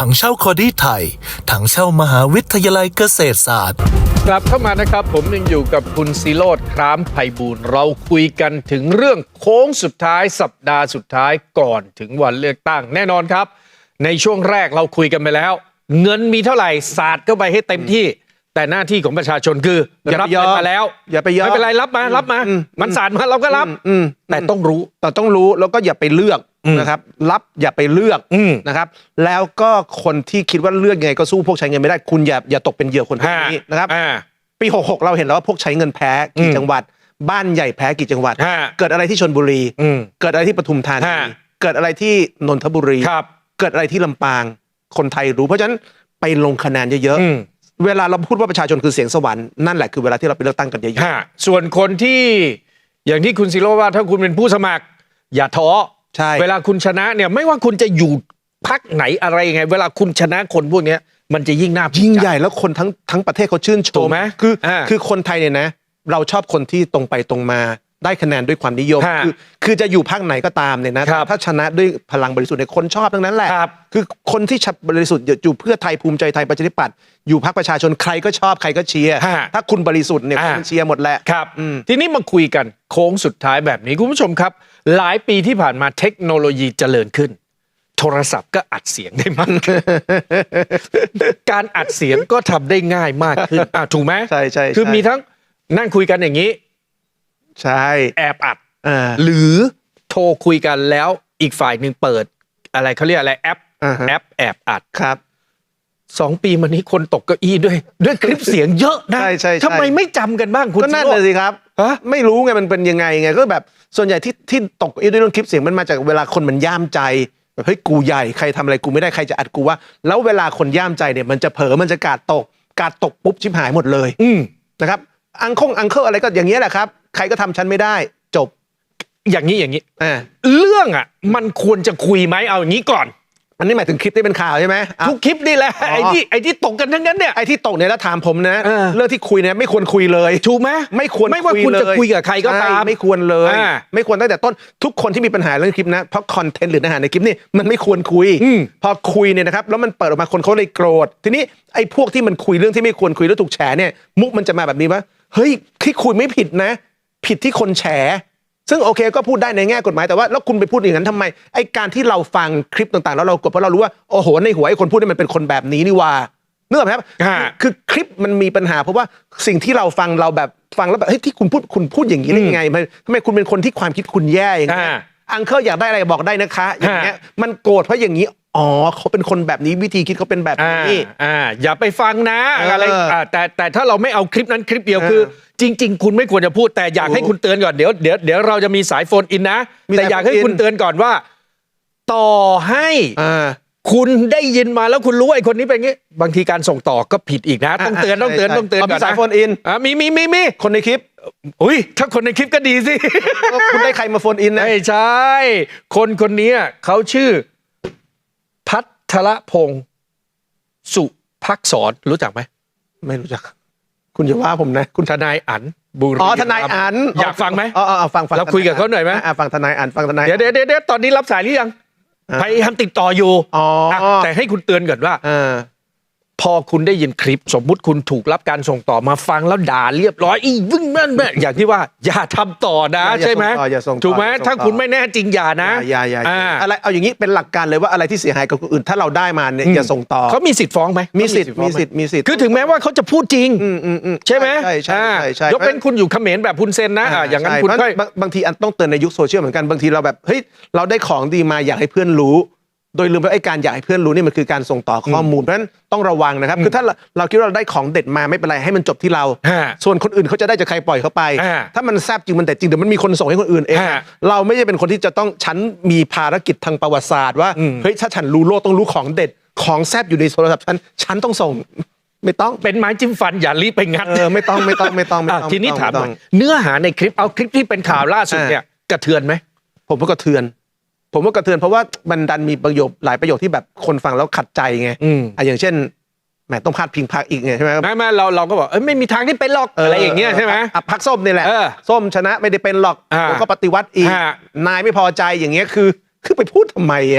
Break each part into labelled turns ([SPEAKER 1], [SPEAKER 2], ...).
[SPEAKER 1] ถังเช่าคอดี้ไทยถังเช่ามหาวิทยาลัยเกษตรศาสตร์
[SPEAKER 2] กลับเข้ามานะครับผมยังอยู่กับคุณศิโรจน์ คร้ามไพบูลย์เราคุยกันถึงเรื่องโค้งสุดท้ายสัปดาห์สุดท้ายก่อนถึงวันเลือกตั้งแน่นอนครับในช่วงแรกเราคุยกันไปแล้วเงินมีเท่าไหร่สาดเข้าไปให้เต็มที่แต่หน้าที่ของประชาชนคือรับเงินมาแล้ว
[SPEAKER 3] อย่าไปยอม
[SPEAKER 2] ไม่เป็นไรรับมามันสาดมาเราก็รับแต่ต้องรู้
[SPEAKER 3] แล้วก็อย่าไปเลือกนะครับรับอย่าไปเลือกนะครับแล้วก็คนที่คิดว่าเลือกยังไงก็สู้พวกใช้เงินไม่ได้คุณอย่าตกเป็นเหยื่อคนพวกนี้นะครับปี66เราเห็นแล้วว่าพวกใช้เงินแพ้กี่จังหวัดบ้านใหญ่แพ้กี่จังหวัดเกิดอะไรที่ชลบุรีเกิดอะไรที่ปทุมธานีเกิดอะไรที่นนทบุรีเกิดอะไรที่ลำปางคนไทยรู้เพราะฉะนั้นไปลงคะแนนเยอะๆเวลาเราพูดว่าประชาชนคือเสียงสวรรค์นั่นแหละคือเวลาที่เราไปเลือกตั้งกันเยอะ
[SPEAKER 2] ๆส่วนคนที่อย่างที่คุณศิโรจน์ว่าถ้าคุณเป็นผู้สมัครอย่าท้อเวลาคุณชนะเนี่ยไม่ว่าคุณจะอยู่พรรคไหนอะไรยังไงเวลาคุณชนะคนพวกนี้มันจะยิ่งน่า
[SPEAKER 3] ยิ่งใหญ่แล้วคนทั้งประเทศเขาชื่นชมคือคนไทยเนี่ยนะเราชอบคนที่ตรงไปตรงมาได้คะแนนด้วยความนิยมคือจะอยู่พรรคไหนก็ตามเนี่ยนะถ้าชนะด้วยพลังบริสุทธิ์เนี่ยคนชอบทั้งนั้นแหละคือคนที่บริสุทธิ์อยู่เพื่อไทยภูมิใจไทยประชาธิปัตย์อยู่พรรคประชาชนใครก็ชอบใครก็เชียร์ถ้าคุณบริสุทธิ์เนี่ยคุณเชียร์หมดแหละ
[SPEAKER 2] ครับทีนี้มาคุยกันโค้งสุดท้ายแบบนี้คุณผู้ชมครับหลายปีที่ผ่านมาเทคโนโลยีเจริญขึ้นโทรศัพท์ก็อัดเสียงได้มากขึ้นการอัดเสียงก็ทำได้ง่ายมากขึ้นถูกไหม
[SPEAKER 3] ใช่
[SPEAKER 2] คือมีทั้งนั่งคุยกันอย่างนี้
[SPEAKER 3] ใช่
[SPEAKER 2] แอบอัดหรือโทรคุยกันแล้วอีกฝ่ายหนึ่งเปิดอะไรเขาเรียกอะไรแอปแอบอัด
[SPEAKER 3] ครับ
[SPEAKER 2] 2 ปีมานี้คนตกเก้าอี้ด้วยคลิปเสียงเยอะนะ
[SPEAKER 3] ใช่
[SPEAKER 2] ทำไมไม่จำกันบ้างคุณ
[SPEAKER 3] ก็นั่นเลยสิครับไม่รู้ไงมันเป็นยังไงก็แบบส่วนใหญ่ที่ตกเก้าอี้ด้วยเรื่องคลิปเสียงมันมาจากเวลาคนมันย่ามใจแบบเฮ้ยกูใหญ่ใครทำอะไรกูไม่ได้ใครจะอัดกูว่าแล้วเวลาคนย่ามใจเนี่ยมันจะเผลอมันจะกาดตกปุ๊บชิบหายหมดเลยนะครับอังเคิลอะไรก็อย่างเงี้ยแหละครับใครก็ทำฉันไม่ได้จบ
[SPEAKER 2] อย่างนี้เรื่องมันควรจะคุยไหมเอาอย่างนี้ก่อน
[SPEAKER 3] อันนี้หมายถึงคลิปที่เป็นข่าวใช่ไหม
[SPEAKER 2] ทุกคลิปนี่แหละไอ้ที่ตกกันทั้งนั้นเนี่ย
[SPEAKER 3] ไอ้ที่ตกเนี่ยแล้วถามผมนะเรื่องที่คุยเนี่ยไม่ควรคุยเลย
[SPEAKER 2] ถูกไหม
[SPEAKER 3] ไม่ควร
[SPEAKER 2] ไม่ว่าคุณจะคุยกับใครก็ตาม
[SPEAKER 3] ไม่ควรเลยไม่ควรตั้งแต่ต้นทุกคนที่มีปัญหาเรื่องคลิปนะเพราะคอนเทนต์หรือเนื้อหาในคลิปนี่มันไม่ควรคุยพอคุยเนี่ยนะครับแล้วมันเปิดออกมาคนเขาเลยโกรธทีนี้ไอ้พวกที่มันคุยเรื่องที่ไม่ควรคุยแล้วถูกแฉเนี่ยมุกมันจะมาแบบนี้ว่าเฮ้ยที่คุยไม่ผิดนะผิดที่คนแฉซึ่งโอเคก็พูดได้ในแง่กฎหมายแต่ว่าแล้วคุณไปพูดอย่างนั้นทำไมไอ้การที่เราฟังคลิปต่างๆแล้วเรากดเพราะเรารู้ว่าโอ้โหในหัวไอ้คนพูดนี่มันเป็นคนแบบนี้นี่ว่านึกออกไหมครับคือคลิปมันมีปัญหาเพราะว่าสิ่งที่เราฟังเราแบบฟังแล้วแบบเฮ้ยที่คุณพูดอย่างนี้ได้ยังไงทำไมคุณเป็นคนที่ความคิดคุณแย่อย่างเงี้ยอังเคิลอยากได้อะไรบอกได้นะคะอย่างเงี้ยมันโกรธเพราะอย่างนี้อ๋อเขาเป็นคนแบบนี้วิธีคิดเขาเป็นแบบนี้
[SPEAKER 2] อย่าไปฟังนะอะไรแต่ถ้าเราไม่เอาคลิปนั้นคลิปเดียวคือจริงๆคุณไม่ควรจะพูดแต่อยากให้คุณเตือนก่อนเดี๋ยวเราจะมีสายโฟนอินนะแต่อยากให้คุณเตือนก่อนว่าต่อให้คุณได้ยินมาแล้วคุณรู้ไอ้คนนี้เป็นงี้บางทีการส่งต่อก็ผิดอีกนะต้องเตือนก่อน
[SPEAKER 3] นะสายโฟนอิน
[SPEAKER 2] มี
[SPEAKER 3] คนในคลิป
[SPEAKER 2] อุ้ยถ้าคนในคลิปก็ดีสิ
[SPEAKER 3] คุณได้ใครมาโฟนอินนะ
[SPEAKER 2] ไม่ใช่คนนี้เขาชื่อพัทรพงศ์สุภักษรรู้จักไหม
[SPEAKER 3] ไม่รู้จักคุณอย่าว่าผมนะ
[SPEAKER 2] คุณทนายอั๋นบุรี
[SPEAKER 3] ทนายอั๋น
[SPEAKER 2] อยากฟังไหม
[SPEAKER 3] ฟัง
[SPEAKER 2] เราคุยกับเขาหน่อยไหม
[SPEAKER 3] ฟังทนายอั๋นฟังทนาย
[SPEAKER 2] เดี๋ยวตอนนี้รับสายหรือยังพยายามติดต่ออยู่แต่ให้คุณเตือนก่อนว่าพอคุณได้ยินคลิปสมมุติคุณถูกรับการส่งต่อมาฟังแล้วด่าเรียบร้อยวึ่งนั่นอย่างที่ว่าอย่าทำต่อนะใช่ไหมถูกไหมถ้าคุณไม่แน่จริงอย่านะ
[SPEAKER 3] อย่าอะไรเอาอย่างนี้เป็นหลักการเลยว่าอะไรที่เสียหายกับคนอื่นถ้าเราได้มาเนี่ยอย่าส่งต่อ
[SPEAKER 2] เขามีสิทธิ์ฟ้องไหม
[SPEAKER 3] มีสิทธิ์
[SPEAKER 2] คือถึงแม้ว่าเขาจะพูดจริงใช่ไหม
[SPEAKER 3] ใช่
[SPEAKER 2] ยกเป็นคุณอยู่เขมรแบบคุณเซนนะอย่างนั้นคุณก็
[SPEAKER 3] บางทีต้องเตือนในยุคโซเชียลเหมือนกันบางทีเราแบบเฮ้ยเราได้ของดีมาอยากให้เพื่อนรู้โดยลืมว่าไอ้การอยากให้เพื่อนรู้นี่มันคือการส่งต่อข้อมูลเพราะฉะนั้นต้องระวังนะครับคือถ้าเราคิดว่าเราได้ของเด็ดมาไม่เป็นไรให้มันจบที่เราส่วนคนอื่นเขาจะได้จากใครปล่อยเขาไปถ้ามันแซ่บจริงมันเด็ดจริงเดี๋ยวมันมีคนส่งให้คนอื่นเองเราไม่ใช่เป็นคนที่จะต้องฉันมีภารกิจทางประวัติศาสตร์ว่าเฮ้ยถ้าฉันรู้โลกต้องรู้ของเด็ดของแซ่บอยู่ในโทรศัพท์ฉันต้องส่งไม่ต้อง
[SPEAKER 2] เป็นไม้จิ้มฟันอย่ารีบไปงัด
[SPEAKER 3] ไม่ต้อง
[SPEAKER 2] ทีนี้ถามหน่อยเนื้อหาในคลิปเอาคลิปที่เป็นข่าวล่าสุดเนี่ยกระเทือนไหม
[SPEAKER 3] ผมว่ากระเทือนเพราะว่ามันดันมีประโยคหลายประโยคที่แบบคนฟังแล้วขัดใจไงอย่างเช่นแหมต้องพาดพิงพรรคอีกไงใช่ไหม
[SPEAKER 2] ไม่เราก็บอกไม่มีทางที่เป็นหรอกอะไรอย่างเงี้ยใช่ไหม
[SPEAKER 3] พรรคส้มนี่แหละส้มชนะไม่ได้เป็นหรอกแล้วก็ปฏิวัติอีกนายไม่พอใจอย่างเงี้ยคือไปพูดทำไม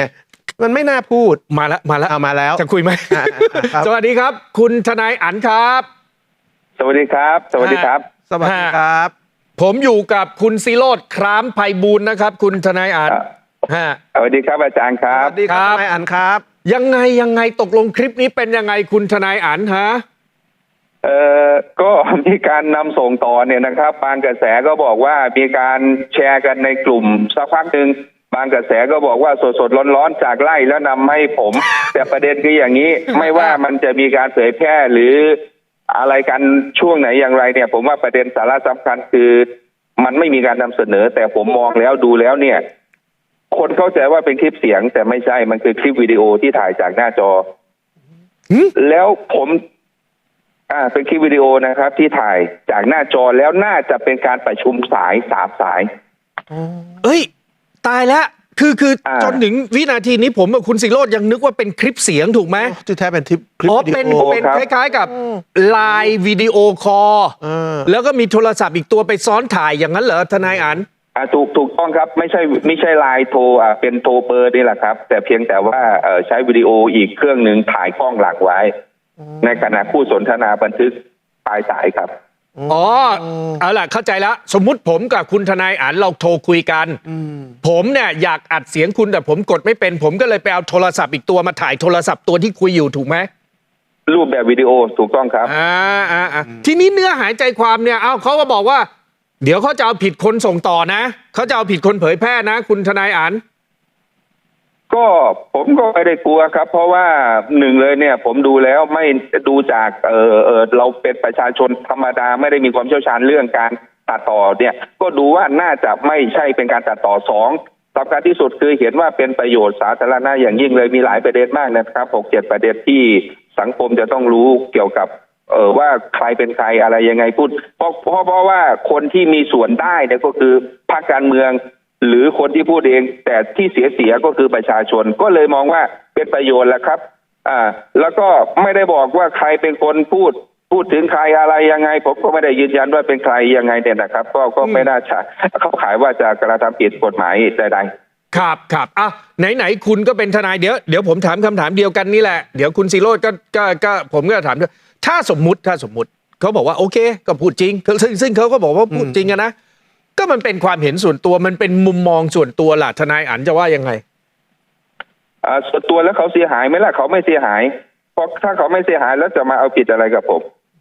[SPEAKER 3] มันไม่น่าพูด
[SPEAKER 2] มาแล้วมาแล้ว
[SPEAKER 3] เอามาแล้ว
[SPEAKER 2] จะคุยไหม
[SPEAKER 3] ครับ
[SPEAKER 2] สวัสดีครับ คุณทนายอั๋นครับ
[SPEAKER 4] สวัสดีครับ สวัสดีครับ
[SPEAKER 3] สวัสดีครับ
[SPEAKER 2] ผมอยู่กับคุณศิโรจน์คร้ามไพบูลย์นะครับ คุณทนายอั๋นฮะ
[SPEAKER 4] สวัสดีครับอาจารย์ค
[SPEAKER 3] ส
[SPEAKER 4] รับ
[SPEAKER 3] วัสดีครับ
[SPEAKER 2] ครับ
[SPEAKER 3] นายอันครับ
[SPEAKER 2] ยังไงตกลงคลิปนี้เป็นยังไงคุณทนายอั๋นฮะ
[SPEAKER 4] ก็มีการนำส่งต่อเนี่ยนะครับ บางกระแสก็บอกว่ามีการแชร์กันในกลุ่มสักพักหนึ่งบางกระแสก็บอกว่าสดๆร้อนๆจากไล่แล้วนำให้ผม แต่ประเด็นคืออย่างนี้ ไม่ว่ามันจะมีการเผยแพร่หรืออะไรกันช่วงไหนอย่างไรเนี่ย ผมว่าประเด็นสาระสำคัญคือมันไม่มีการนำเสนอ แต่ผมมองแล้วดูแล้วเนี่ย คนเข้าใจว่าเป็นคลิปเสียง แต่ไม่ใช่มันคือคลิปวิดีโอที่ถ่ายจากหน้าจอ แล้วผมเป็นคลิปวิดีโอนะครับ ที่ถ่ายจากหน้าจอแล้วน่าจะเป็นการประชุมสาย3 สาย
[SPEAKER 2] เอ้ย ตายแล้วคือจนถึงวินาทีนี้ผมกับคุณศิโรจน์ยังนึกว่าเป็นคลิปเสียงถูกไหม
[SPEAKER 3] ที่แท้เป็นคลิป
[SPEAKER 2] อ๋อ
[SPEAKER 3] วิดี
[SPEAKER 2] เป็น
[SPEAKER 3] โอ
[SPEAKER 2] เป็น
[SPEAKER 4] ครับ
[SPEAKER 2] คล้ายๆกับไลน์วิดีโอคอล แล้วก็มีโทรศัพท์อีกตัวไปซ้อนถ่ายอย่างนั้นเหรอทนายอั๋น
[SPEAKER 4] ถูกต้องครับไม่ใช่ไลน์โทรเป็นโทรเบอร์นี่แหละครับ แต่เพียงแต่ว่าใช้วิดีโออีกเครื่องหนึ่งถ่ายกล้องหลังไว้ ในขณะคู่สนทนาบันทึกปลายสายครับ
[SPEAKER 2] อ๋อเอาล่ะเข้าใจแล้วสมมุติผมกับคุณทนายอั๋นเราโทรคุยกันผมเนี่ยอยากอัดเสียงคุณแต่ผมกดไม่เป็น ผมก็เลยไปเอาโทรศัพท์อีกตัวมาถ่ายโทรศัพท์ตัวที่คุยอยู่ถูกไหม
[SPEAKER 4] รูปแบบวิดีโอถูกต้องครับ
[SPEAKER 2] ทีนี้เนื้อหาใจความเนี่ยเขาก็บอกว่า เดี๋ยวเขาจะเอาผิดคนส่งต่อนะเขาจะเอาผิดคนเผยแพร่นะคุณทนายอั๋น
[SPEAKER 4] ก็ผมก็ไม่ได้กลัวครับ เพราะว่าหนึ่งเลยเนี่ย ผมดูแล้วไม่ดูจากเราเป็นประชาชนธรรมดาไม่ได้มีความเชี่ยวชาญเรื่องการตัดต่อเนี่ย ก็ดูว่าน่าจะไม่ใช่เป็นการตัดต่อ2สำคัญที่สุดคือเห็นว่าเป็นประโยชน์สาธารณะอย่างยิ่งเลยมีหลายประเด็นมากนะครับ6-7 ประเด็นที่สังคมจะต้องรู้เกี่ยวกับว่าใครเป็นใครอะไรยังไงพูดเพราะว่าคนที่มีส่วนได้เนี่ยก็คือพรรคการเมืองหรือคนที่พูดเองแต่ที่เสียก็คือประชาชนก็เลยมองว่าเป็นประโยชน์แหละครับแล้วก็ไม่ได้บอกว่าใครเป็นคนพูดถึงใครอะไรยังไงผมก็ไม่ได้ยืนยันว่าเป็นใครยังไงเนี่ยนะครับก็ไม่น่าจะเข้าข่ายว่าจะกระทำผิดกฎหมายใดๆ
[SPEAKER 2] ครับไหนคุณก็เป็นทนายเดี๋ยวผมถามคำถามเดียวกันนี่แหละเดี๋ยวคุณศิโรจน์ก็ผมก็ถามด้วยถ้าสมมุติเขาบอกว่าโอเคก็พูดจริงซึ่งเขาก็บอกว่าพูดจริงนะก็มันเป็นความเห็นส่วนตัวมันเป็นมุมมองส่วนตัวล่ะทนายอั๋นจะว่ายังไง
[SPEAKER 4] ส่วนตัวแล้วเขาเสียหายไหมล่ะเขาไม่เสียหายเพราะถ้าเขาไม่เสียหายแล้วจะมาเอาผิดอะไรกับผม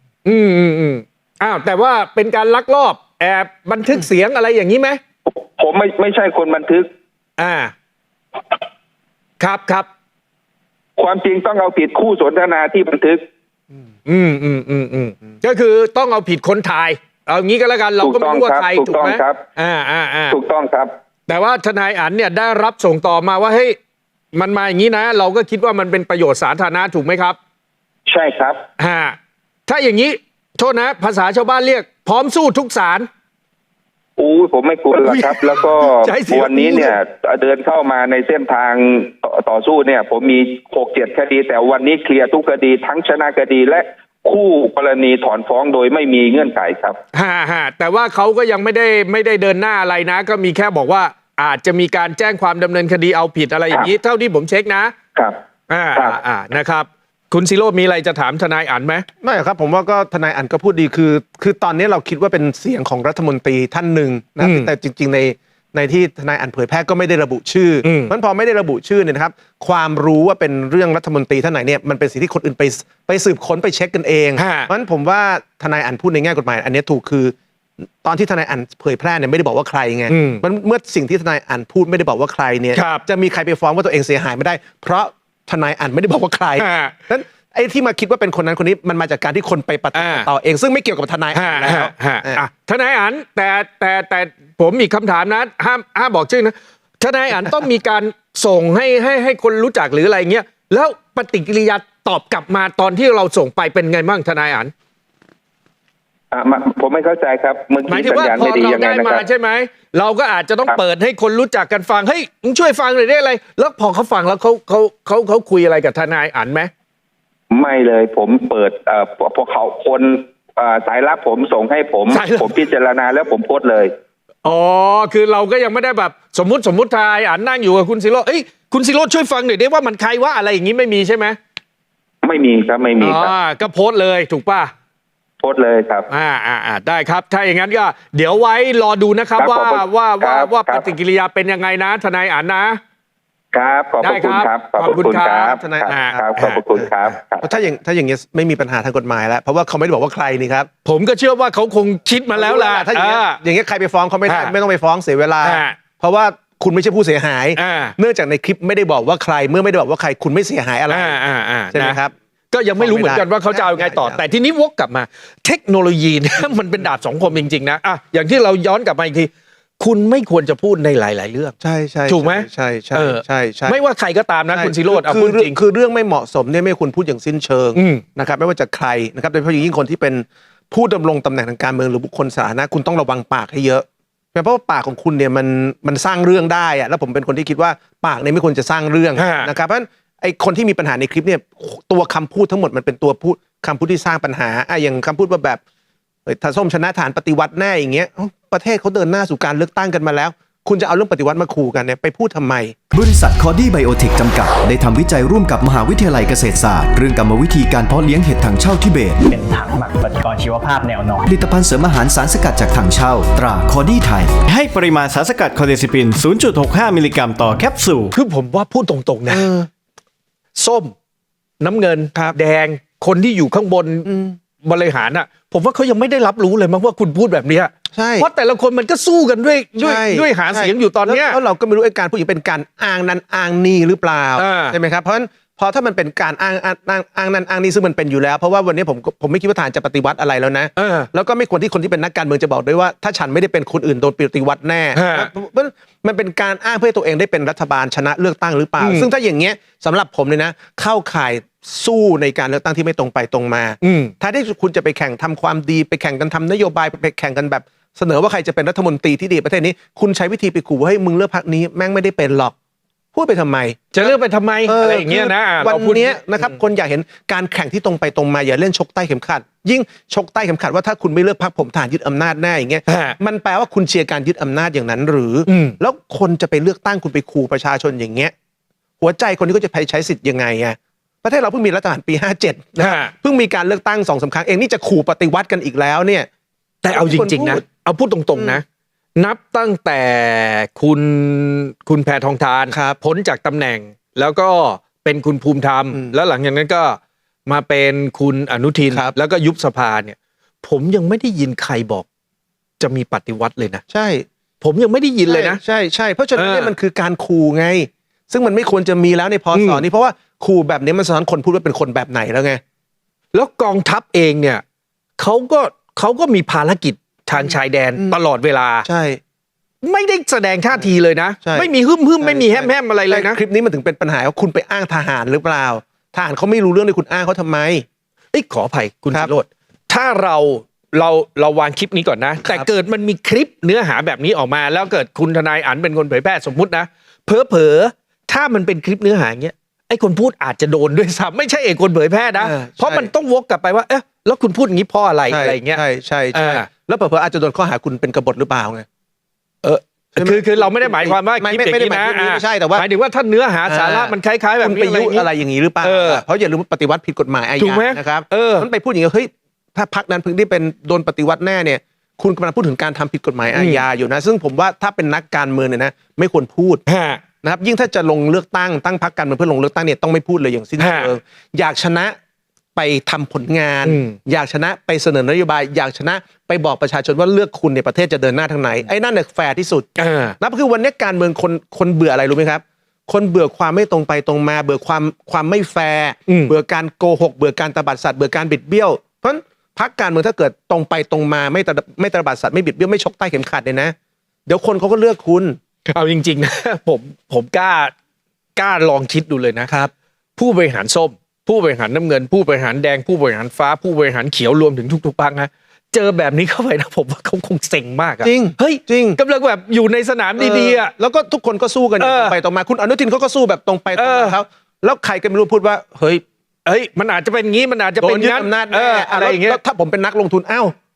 [SPEAKER 2] แต่ว่าเป็นการลักลอบแอบบันทึกเสียงอะไรอย่างนี้ไหม
[SPEAKER 4] ผมไม่ใช่คนบันทึก
[SPEAKER 2] ครับ
[SPEAKER 4] ความจริงต้องเอาผิดคู่สนทนาที่บันทึก
[SPEAKER 2] ก็คือต้องเอาผิดคนถ่ายเอางี้ก็แล้วกันเราก็ไม่รู้ว่าใครถูกไหม
[SPEAKER 4] ถูกต้องครับ
[SPEAKER 2] แต่ว่าทนายอั๋นเนี่ยได้รับส่งต่อมาว่าเฮ้ยมันมาอย่างนี้นะเราก็คิดว่ามันเป็นประโยชน์สาธารณะถูกไหมครับ
[SPEAKER 4] ใช่ครับ
[SPEAKER 2] ถ้าอย่างนี้โทษนะภาษาชาวบ้านเรียกพร้อมสู้ทุกศาล
[SPEAKER 4] ผมไม่กลัวหรอกครับแล้วก็วันนี้เนี่ยเดินเข้ามาในเส้นทางต่อสู้เนี่ยผมมี6-7 คดีแต่วันนี้เคลียร์ทุกคดีทั้งชนะคดีและคู่กรณีถอนฟ้องโดยไม่มีเงื่อนไขครับ
[SPEAKER 2] แต่ว่าเขาก็ยังไม่ได้เดินหน้าอะไรนะก็มีแค่บอกว่าอาจจะมีการแจ้งความดำเนินคดีเอาผิดอะไรอย่างนี้เท่าที่ผมเช็คนะครับนะครับคุณศิโรจน์มีอะไรจะถามทนายอั๋นไหม
[SPEAKER 3] ไม่ครับผมว่าก็ทนายอั๋นก็พูดดีคือตอนนี้เราคิดว่าเป็นเสียงของรัฐมนตรีท่านหนึ่งนะแต่จริงๆในที่ทนายอั๋นเผยแพร่ก็ไม่ได้ระบุชื่อมันพอไม่ได้ระบุชื่อเนี่ยนะครับความรู้ว่าเป็นเรื่องรัฐมนตรีท่านไหนเนี่ยมันเป็นสิ่งที่คนอื่นไปสืบค้นไปเช็คกันเองเพราะฉะนั้นผมว่าทนายอั๋นพูดในแง่กฎหมายอันนี้ถูกคือตอนที่ทนายอั๋นเผยแพร่เนี่ยไม่ได้บอกว่าใครไงมันเมื่อสิ่งที่ทนายอั๋นพูดไม่ได้บอกว่าใครเนี่ยจะมีใครไปฟ้องว่าตัวเองเสียหายไม่ได้เพราะทนายอั๋นไม่ได้บอกว่าใครนั้นไอ้ที่มาคิดว่าเป็นคนนั้นคนนี้มันมาจากการที่คนไปปฏิบัติต่อเองซึ่งไม่เกี่ยวกับทนายอั๋นแล้ว
[SPEAKER 2] ทนายอั๋นแต่ผมมีคำถามนะห้ามบอกชื่อนะทนายอั๋นต้องมีการส่งให้คนรู้จักหรืออะไรเงี้ยแล้วปฏิกิริยาตอบกลับมาตอนที่เราส่งไปเป็นไงบ้างทนายอั๋น
[SPEAKER 4] ผมไม่เข้าใจครับ
[SPEAKER 2] หมายถึงว่าพอเราได้มาใช่ไหมเราก็อาจจะต้องเปิดให้คนรู้จักกันฟังเฮ้ยมึงช่วยฟังหน่อยได้อะไรแล้วพอเขาฟังแล้วเขาคุยอะไรกับทนายอั๋นไหม
[SPEAKER 4] ไม่เลยผมเปิดพอเขาคนสายลับผมส่งให้ผมพิจารณาแล้วผมโพสต์เลย
[SPEAKER 2] อ๋อคือเราก็ยังไม่ได้แบบสมมติทายอ่านนั่งอยู่กับคุณศิโรจน์คุณศิโรจน์ช่วยฟังหน่อยได้ว่ามันใครว่าอะไรอย่างนี้ไม่มีใช่ไหม
[SPEAKER 4] ไม่มีครับไม่มีครับ
[SPEAKER 2] ก็โพสต์เลยถูกป่ะ
[SPEAKER 4] โพสต์เลยครับ
[SPEAKER 2] ได้ครับถ้าอย่างนั้นก็เดี๋ยวไว้รอดูนะครับว่าปฏิกิริยาเป็นยังไงนะทนายอ่านนะครับ
[SPEAKER 4] ขอบคุณครับ
[SPEAKER 2] ขอบคุณครับ
[SPEAKER 3] ทนาย
[SPEAKER 4] ครับขอบคุณครับ
[SPEAKER 3] ถ้าอย่างนี้ไม่มีปัญหาทางกฎหมายแล้วเพราะว่าเขาไม่ได้บอกว่าใครนี่ครับ
[SPEAKER 2] ผมก็เชื่อว่าเขาคงคิดมาแล้วล่ะ
[SPEAKER 3] ถ้าอย่างนี้ใครไปฟ้องเขาไม่ต้องไปฟ้องเสียเวลาเพราะว่าคุณไม่ใช่ผู้เสียหายเนื่องจากในคลิปไม่ได้บอกว่าใครเมื่อไม่ได้บอกว่าใครคุณไม่เสียหายอะไรใช่ไหมครับ
[SPEAKER 2] ก็ยังไม่รู้เหมือนกันว่าเขาจะเอาไงต่อแต่ทีนี้วกกลับมาเทคโนโลยีเนี่ยมันเป็นดาบสองคมจริงๆนะอย่างที่เราย้อนกลับมาอีกทีคุณไม่ควรจะพูดในหลายๆเรื่อง
[SPEAKER 3] ใช่
[SPEAKER 2] ถูกไหม
[SPEAKER 3] ใช่
[SPEAKER 2] ไม่ว่าใครก็ตามนะคุณศิโรจน์พูดจริง
[SPEAKER 3] คือเรื่องไม่เหมาะสมเนี่ยไม่ควรพูดอย่างสิ้นเชิงนะครับไม่ว่าจะใครนะครับโดยเฉพาะยิ่งคนที่เป็นผู้ดำรงตำแหน่งทางการเมืองหรือบุคคลสาธารณะคุณต้องระวังปากให้เยอะเพราะว่าปากของคุณเนี่ยมันสร้างเรื่องได้อะแล้วผมเป็นคนที่คิดว่าปากเนี่ยไม่ควรจะสร้างเรื่องนะครับเพราะฉะนั้นไอ้คนที่มีปัญหาในคลิปเนี่ยตัวคำพูดทั้งหมดมันเป็นตัวพูดคำพูดที่สร้างปัญหาอย่างคำพูดว่าแบบถ้าส้มชนะฐานปฏิวัติแน่อย่างเงี้ยประเทศเขาเดินหน้าสู่การเลือกตั้งกันมาแล้วคุณจะเอาเรื่องปฏิวัติมาขู่กันเนี่ยไปพูดทำไม
[SPEAKER 5] บริษัทคอดี้ไบโอเทคจำกัดได้ทำวิจัยร่วมกับมหาวิทยาลัยเกษตรศาสตร์เรื่องกรรมวิธีการเพาะเลี้ยงเห็ดถังเช่าทิเบต
[SPEAKER 6] เป็นถังหมักปฏิกรณ์ชีวภาพแนวนอน
[SPEAKER 5] ผลิตภัณฑ์เสริมอาหารสารสกัดจากถังเช่าตราคอดี้ไทย
[SPEAKER 7] ให้ปริมาณสารสกัดคอเดซิปิน 0.65 มิลลิกรัมต่อแคปซูล
[SPEAKER 2] คือผมว่าพูดตรงๆนะส้มน้ำเงินแดงคนที่อยู่ข้างบนบริหารอ่ะผมว่าเขายังไม่ได้รับรู้เลยมั้งว่าคุณพูดแบบนี้
[SPEAKER 3] ใช่
[SPEAKER 2] เพราะแต่ละคนมันก็สู้กันด้วยหาเสียงอยู่ตอนนี้
[SPEAKER 3] แล้วเราก็ไม่รู้ไอ้การพูดอย่างเป็นการอ้างนั้นอ้างนี่หรือเปล่าใช่ไหมครับเพราะฉะนั้นพอถ้ามันเป็นการอ้างนั้นอ้างนี่ซึ่งมันเป็นอยู่แล้วเพราะว่าวันนี้ผมไม่คิดว่าทหารจะปฏิวัติอะไรแล้วนะแล้วก็ไม่ควรที่คนที่เป็นนักการเมืองจะบอกด้วยว่าถ้าฉันไม่ได้เป็นคนอื่นโดนปฏิวัติแน่มันเป็นการอ้างเพื่อตัวเองได้เป็นรัฐบาลชนะเลือกตั้งหรือเปล่าซึ่งถ้าอย่างเงี้ยสำหรับผมเลยนะเข้าข่ายสู้ในการเลือกตั้งที่ไม่ตรงไปตรงมาถ้าที่คุณจะไปแข่งทำความดีไปแข่งกันทำนโยบายไปแข่งกันแบบเสนอว่าใครจะเป็นรัฐมนตรีที่ดีประเทศนี้คุณใช้วิธีไปขู่ว่าให้มึงเลือกพรรคนี้แม่งไม่ได้เป็นหรอกพูดไปทำไม
[SPEAKER 2] จะเลือกไปทำไมอะไรอย่างเงี้ยนะ
[SPEAKER 3] วันนี้นะครับคนอยากเห็นการแข่งที่ตรงไปตรงมาอย่าเล่นชกใต้เข็มขัดยิ่งชกใต้เข็มขัดว่าถ้าคุณไม่เลือกพรรคผมทหารยึดอำนาจแน่อย่างเงี้ยมันแปลว่าคุณเชียร์การยึดอำนาจอย่างนั้นหรือแล้วคนจะไปเลือกตั้งคุณไปขู่ประชาชนอย่างเงี้ยหัวใจคนนี้ก็จะไปใช้สิทธิ์ยังไงอะประเทศเราเพิ่งมีรัฐประหารปี57นะเพิ่งมีการเลือกตั้ง 2-3 ครั้งเองนี่จะขู่ปฏิวัติกันอีกแล้วเนี่ย
[SPEAKER 2] แต่เอาจริงๆนะเอาพูดตรงๆนะนับตั้งแต่คุณแพทองธารพ้นจากตำแหน่งแล้วก็เป็นคุณภูมิธรรมแล้วหลังจากนั้นก็มาเป็นคุณอนุทินแล้วก็ยุบสภาเนี่ยผมยังไม่ได้ยินใครบอกจะมีปฏิวัติเลยนะ
[SPEAKER 3] ใช่
[SPEAKER 2] ผมยังไม่ได้ยินเลยนะ
[SPEAKER 3] ใช่เพราะฉะนั้นเนี่ยมันคือการขู่ไงซึ่งมันไม่ควรจะมีแล้วในพ.ศ.นี้เพราะว่าขู่แบบนี้มันสอนคนพูดว่าเป็นคนแบบไหนแล้วไง
[SPEAKER 2] แล้วกองทัพเองเนี่ยเขาก็มีภารกิจทางชายแดนตลอดเวลา
[SPEAKER 3] ใช่
[SPEAKER 2] ไม่ได้แสดงท่าทีเลยนะไม่มีฮึ่มไม่มีแฮมอะไรเลยนะ
[SPEAKER 3] คลิปนี้มันถึงเป็นปัญหาว่าคุณไปอ้างทหารหรือเปล่าทหารเขาไม่รู้เรื่องเลยคุณอ้างเขาทำไม
[SPEAKER 2] ขออภัยคุณศิโรจน์ถ้าเราวางคลิปนี้ก่อนนะแต่เกิดมันมีคลิปเนื้อหาแบบนี้ออกมาแล้วเกิดคุณทนายอั๋นเป็นคนเผยแพร่สมมุตินะเผลอถ้ามันเป็นคลิปเนื้อหาอย่างเงี้ยไอ้คนพูดอาจจะโดนด้วยซ้ำไม่ใช่คนเผยแพร่นะเพราะมันต้องวกกลับไปว่าแล้วคุณพูดอย่างนี้เพราะอะไรอะไรอย่างเงี้ย
[SPEAKER 3] ใช่แล้วเผลออาจจะโดนข้อหาคุณเป็นกบฏหรือเปล่าไง
[SPEAKER 2] คือเราไม่ได้หมายความว่าคลิปอย่างนี้นะ
[SPEAKER 3] ไม่ใช่แต่ว่า
[SPEAKER 2] หมายถึงว่าถ้าเนื้อหาสาระมันคล้ายๆแบบนี้
[SPEAKER 3] ไปยุอะไรอย่างนี้หรือเปล่าเพราะอย่าลืมว่าปฏิวัติผิดกฎหมายอาญานะครับมันไปพูดอย่างนี้เฮ้ยถ้าพรรคนั้นเพิ่งได้เป็นโดนปฏิวัติแน่เนี่ยคุณกำลังพูดถึงการทำผิดกฎหมายอาญาอยู่นะซึ่งผมว่าถ้าเป็นนักการเมืองเนี่ยนะไม่ควรพูดนะครับยิ่งถ้าจะลงเลือกตั้งพรรคการเมืองเพื่อลงเลือกตั้งเนี่ยต้องไม่พูดเลยอย่างสิ้นเชิงอยากชนะไปทำผลงานอยากชนะไปเสนอนโยบายอยากชนะไปบอกประชาชนว่าเลือกคุณในประเทศจะเดินหน้าทางไหนไอ้นั่นเนี่ยแฟร์ที่สุดนะคือวันนี้การเมืองคนเบื่ออะไรรู้ไหมครับคนเบื่อความไม่ตรงไปตรงมาเบื่อความไม่แฟร์เบื่อการโกหกเบื่อการตบัดสัตว์เบื่อการบิดเบี้ยวเพราะพรรคการเมืองถ้าเกิดตรงไปตรงมาไม่ตบัดสัตว์ไม่บิดเบี้ยวไม่ชกใต้เข็มขัดเลยนะเดี๋ยวคนเขาก็เลือกคุณ
[SPEAKER 2] เอาจริงๆนะผมกล้าลองคิดดูเลยนะครับผู้บริหารส้มผู้บริหารน้ำเงินผู้บริหารแดงผู้บริหารฟ้าผู้บริหารเขียวรวมถึงทุกๆพรรคนะเจอแบบนี้เข้าไปนะผมว่าเขาคงเซ็งมากอะ
[SPEAKER 3] จริง
[SPEAKER 2] เฮ้ย
[SPEAKER 3] จริง
[SPEAKER 2] กำลังแบบอยู่ในสนามดีๆอะ
[SPEAKER 3] แล้วก็ทุกคนก็สู้กันตรงไปตรงมาคุณอนุทินเขาก็สู้แบบตรงไปตรงมาเขาแล้วใครก็ไม่รู้พูดว่าเฮ้ย
[SPEAKER 2] มันอาจจะเป็นงี้มันอาจจะเป็น
[SPEAKER 3] งั้นอะไรอย่างเงี้ยถ้าผมเป็นนักลงทุน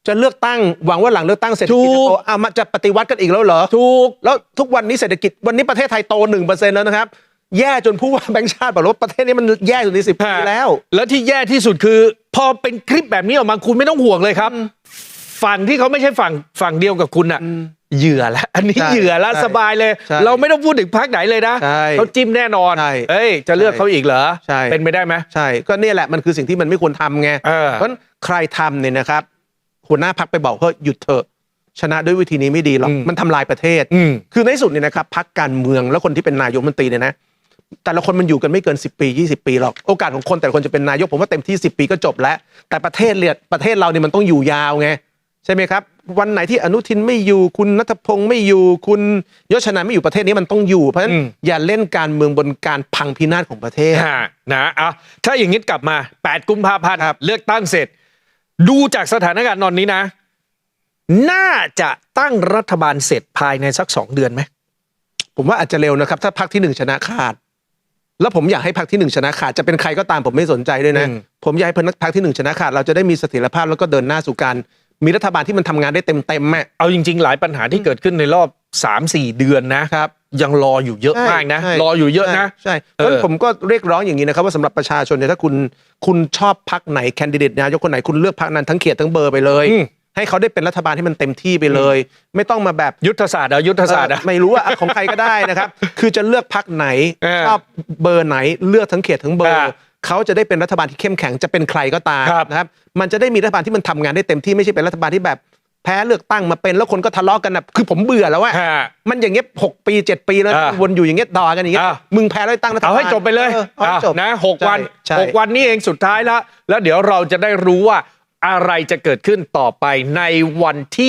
[SPEAKER 3] จะเลือกตั้งหวังว่าหลังเลือกตั้งเศรษฐกิจ
[SPEAKER 2] ถู
[SPEAKER 3] จะ
[SPEAKER 2] ก
[SPEAKER 3] โตมันจะปฏิวัติกันอีกแล้วเหรอ
[SPEAKER 2] ถูก
[SPEAKER 3] แล้วทุกวันนี้เศรษฐกิจวันนี้ประเทศไทยโต 1% แล้วนะครับแย่จนผู้ว่าแบงค์ชาติบอกว่าประเทศนี้มันแย่สุดใน10 ปีแล้ว
[SPEAKER 2] แล้วที่แย่ที่สุดคือ พอเป็นคลิปแบบนี้ออกมาคุณไม่ต้องห่วงเลยครับ ฝั่งที่เขาไม่ใช่ฝั่งเดียวกับคุณอะเหยื่อแล้วอันนี้
[SPEAKER 3] ใช่
[SPEAKER 2] เหยื่อแล้ว
[SPEAKER 3] ใช่
[SPEAKER 2] สบายเลย
[SPEAKER 3] ใช่
[SPEAKER 2] เราไม่ต้องพูดถึงพรรคไหนเลยนะ
[SPEAKER 3] ใช่
[SPEAKER 2] เขาจิ้มแน่นอน
[SPEAKER 3] ใช่
[SPEAKER 2] เอ้ยจะเลือกเขาอีกเหรอ
[SPEAKER 3] ใช่
[SPEAKER 2] เป็นไปได้ไหม
[SPEAKER 3] ใช่ก็เนี่ยแหละมันคือสิ่งที่มันไม่ควรทำไง
[SPEAKER 2] เออ
[SPEAKER 3] เพราะฉะนั้นใครทำเนี่ยนะครับหัวหน้าพรรคไปบอกเฮ้ยหยุดเถอะชนะด้วยวิธีนี้ไม่ดีหรอกมันทำลายประเทศ คือในที่สุดเนี่ยนะครับพรรคการเมืองแล้วคนที่เป็นนายกรัฐมนตรีเนี่ยนะแต่ละคนมันอยู่กันไม่เกิน10 ปี 20 ปีหรอกโอกาสของคนแต่ละคนจะเป็นนายกผมว่าเต็มที่10 ปีก็จบแล้วแต่ประเทศเราเนี่ยมันต้องอยู่ยาวไงใช่ไหมครับวันไหนที่อนุทินไม่อยู่คุณณัฐพงศ์ไม่อยู่คุณยศชนันไม่อยู่ประเทศนี้มันต้องอยู่เพราะฉะนั้นอย่าเล่นการเมืองบนการพังพินาศของประเทศ
[SPEAKER 2] นะอ่ะถ้าอย่างนี้กลับมา8 กุมภาพันธ์
[SPEAKER 3] ครับ
[SPEAKER 2] เลือกตั้งเสร็จ ดูจากสถานการณ์ตอนนี้นะ น่าจะตั้งรัฐบาลเสร็จภายในสัก2 เดือนไหม
[SPEAKER 3] ผมว่าอาจจะเร็วนะครับถ้าพรรคที่1ชนะขาดแล้วผมอยากให้พรรคที่1ชนะขาดจะเป็นใครก็ตามผมไม่สนใจด้วยนะผมอยากให้พรรคที่1ชนะขาดเราจะได้มีเสถียรภาพแล้วก็เดินหน้าสู่การมีรัฐบาลที่มันทำงานได้เต็มๆ
[SPEAKER 2] เอาจริงๆหลายปัญหาที่เกิดขึ้นในรอบ 3-4 เดือนนะครับยังรออยู่เยอะมากนะ
[SPEAKER 3] ใช่
[SPEAKER 2] รออยู่เยอะนะ
[SPEAKER 3] ใช่เพราะฉะนั้นผมก็เรียกร้องอย่างนี้นะครับว่าสำหรับประชาชนเนี่ยถ้าคุณชอบพรรคไหนแคนดิเดตนายกคนไหนคุณเลือกพรรคนั้นทั้งเขตทั้งเบอร์ไปเลย ให้เขาได้เป็นรัฐบาลที่มันเต็มที่ไปเลย ไม่ต้องมาแบบ
[SPEAKER 2] ยุทธศาสตร์ยุทธศาสตร์
[SPEAKER 3] ไม่รู้ว่าของใครก็ได้นะครับ คือจะเลือกพรรคไหน ชอบเบอร์ไหนเลือกทั้งเขตทั้งเบอร์เขาจะได้เป็นรัฐบาลที่เข้มแข็งจะเป็นใครก็ตามนะครับมันจะได้มีรัฐบาลที่มันทำงานได้เต็มที่ไม่ใช่เป็นรัฐบาลที่แบบแพ้เลือกตั้งมาเป็นแล้วคนก็ทะเลาะกันนะคือผมเบื่อแล้วว่ามันอย่างเงี้ย6 ปี7 ปีแล้ววนอยู่อย่างเงี้ยด่ากันอย่างเงี้ยมึงแพ้เลือกตั้งรัฐบาล
[SPEAKER 2] เอาให้จบไปเลย
[SPEAKER 3] เอาให้จบ
[SPEAKER 2] นะ6 วัน
[SPEAKER 3] ใช่
[SPEAKER 2] 6 วันนี้เองสุดท้ายแล้วเดี๋ยวเราจะได้รู้ว่าอะไรจะเกิดขึ้นต่อไปในวันที่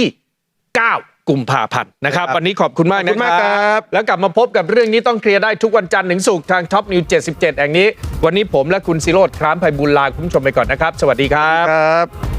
[SPEAKER 2] 9 กุมภาพันธ์นะครับ วันนี้ขอบคุณมาก
[SPEAKER 3] ขอบคุณมาก
[SPEAKER 2] นะค
[SPEAKER 3] ครั
[SPEAKER 2] รับ แล้วกลับมาพบกับเรื่องนี้ต้องเคลียร์ได้ทุกวันจันทร์ถึงศุกร์ทางท็อปนิว77แห่งนี้วันนี้ผมและคุณศิโรจน์คร้ามไพบูลย์ลาคุณผู้ชมไปก่อนนะครับสวัสดีครับ